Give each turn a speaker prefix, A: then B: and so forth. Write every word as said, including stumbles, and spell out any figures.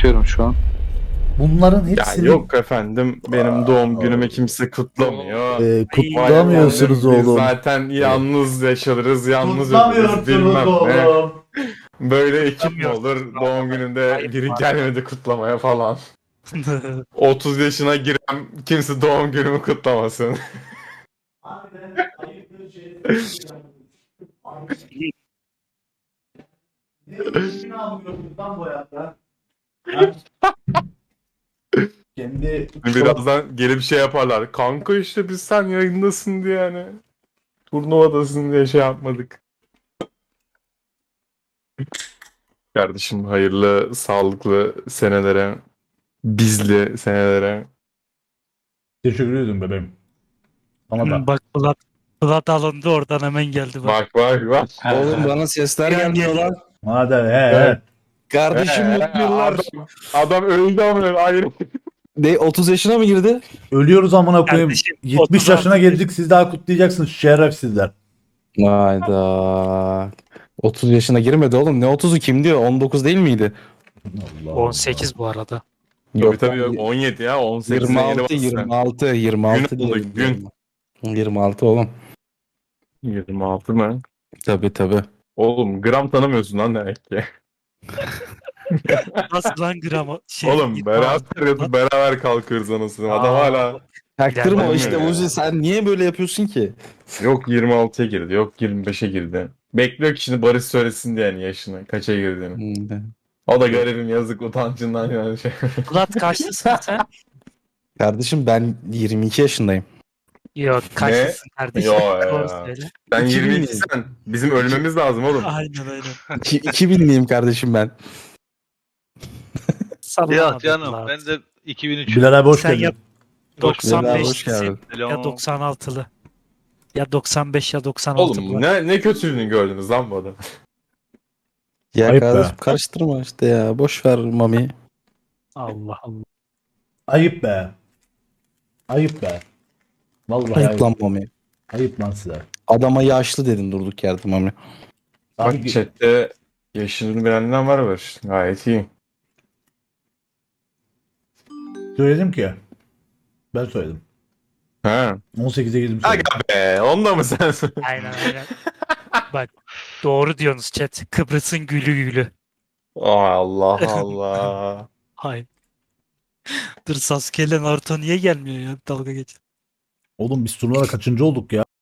A: bakıyorum şu an.
B: Bunların
C: Ya
B: hepsini
C: yok efendim, benim doğum günümü kimse kutlamıyor.
B: e,
C: Vay
B: kutlamıyorsunuz
C: efendim, biz
B: oğlum.
C: zaten yalnız yaşarız, yalnız ölürüz
B: Kutlamıyorsunuz
C: bilmem ne.
B: oğlum.
C: Böyle ekip mi
D: Kutlamıyorsunuz.
C: olur doğum gününde
D: Ayıp
C: biri
D: var.
C: gelmedi kutlamaya falan. otuz yaşına giren kimse doğum günümü kutlamasın.
B: Harbiden ayıptır şey. Ne ne yapıyorsunuz lan bu hayatta? Ha? Kendi
C: Birazdan gelip şey yaparlar. Kanka işte biz sen yayındasın diye yani. Turnuvadasın diye şey yapmadık. Kardeşim hayırlı, sağlıklı senelere, bizli senelere.
B: teşekkür ederim bebeğim. Sana da.
D: Bak Bulat. Bulat alındı oradan hemen geldi bak.
C: Bak bak bak.
E: Oğlum bana sesler
D: Bir an
E: gelmiyor
D: geliyor.
E: lan.
B: Hadi he
C: Evet.
B: he.
E: Kardeşim
C: Ee,
E: mutlu yıllar.
C: Adam, adam öldü ama ayrı.
E: De otuz yaşına mı girdi?
B: Ölüyoruz amına koyayım.
D: Kardeşim,
B: yetmiş
D: otuz
B: yaşına
D: altı
B: geldik, siz daha kutlayacaksınız şerefsizler.
E: Hayda. otuz yaşına girmedi oğlum. Ne otuzu, kim diyor? on dokuz değil miydi?
B: Allah
D: on sekiz bu arada.
C: Tabii tabii
E: lan,
C: yok, on yedi ya on sekizine yeni
E: yirmi altı
C: bastı.
E: yirmi altı yirmi altı
C: Gün oldu,
E: diye
C: gün.
E: biliyorum ben. yirmi altı oğlum.
C: yirmi altı mı?
E: Tabii tabii.
C: Oğlum gram tanımıyorsun lan demek ki.
D: Nasıl lan gramı? Şey,
C: Oğlum
D: yirmi
C: beraber
D: altı.
C: yatıp beraber kalkıyoruz anasını. Adam
D: Aa.
C: hala
E: Taktırma
C: İlerleme
E: işte
C: ya.
E: Uzi, sen niye böyle yapıyorsun ki?
C: yok yirmi altıya girdi, yok yirmi beşe girdi. Bekliyor ki şimdi Barış söylesin diye yani yaşını, kaça girdiğini.
E: Hmm.
C: O da garibim, yazık, utancından yani şey.
D: Bulat kaçlısın sen?
E: Kardeşim ben yirmi iki yaşındayım.
D: Yok kaçlısın kardeşim?
C: Yo
D: Doğru
C: ya.
D: söyle.
C: Sen
E: iki bin
C: yirmi iki sen. Bizim ölmemiz lazım oğlum.
D: Aynen aynen.
E: İki- iki binliyim kardeşim ben.
D: Sallama
F: Ya
D: be
F: canım
D: Bulat.
F: ben de iki bin üç.
B: Bilal abi hoş
D: Sen
B: geldin.
D: ya
E: Bilal abi, hoş
D: doksan beşlisin
E: geldin.
D: ya doksan altılı. Ya doksan beş ya doksan altı
C: Oğlum
D: Bulat.
C: ne ne kötülüğünü gördünüz lan bu adam.
E: Ya
B: Ayıp be.
E: kardeşim karıştırma işte ya. Boş ver Mami.
D: Allah Allah.
B: Ayıp be. Ayıp be. Vallahi ayıp.
E: Ayıp lan Mami.
B: Ayıp lan size.
E: Adama yaşlı dedin durduk yerde Mami.
C: Bak
B: Abi,
C: chatte yaşını bilenler var var. Gayet iyi.
B: söyledim ki. Ben söyledim.
C: Ha.
B: on sekize girdim söyledim.
C: Aga be, onda mı sen?
D: Aynen aynen. Bak doğru diyorsunuz chat. Kıbrıs'ın gülü gülü.
C: Ay Allah Allah.
D: Hayır. Dur Sasuke ile Naruto niye gelmiyor ya? Dalga geç.
B: Oğlum biz turnuvada kaçıncı olduk ya?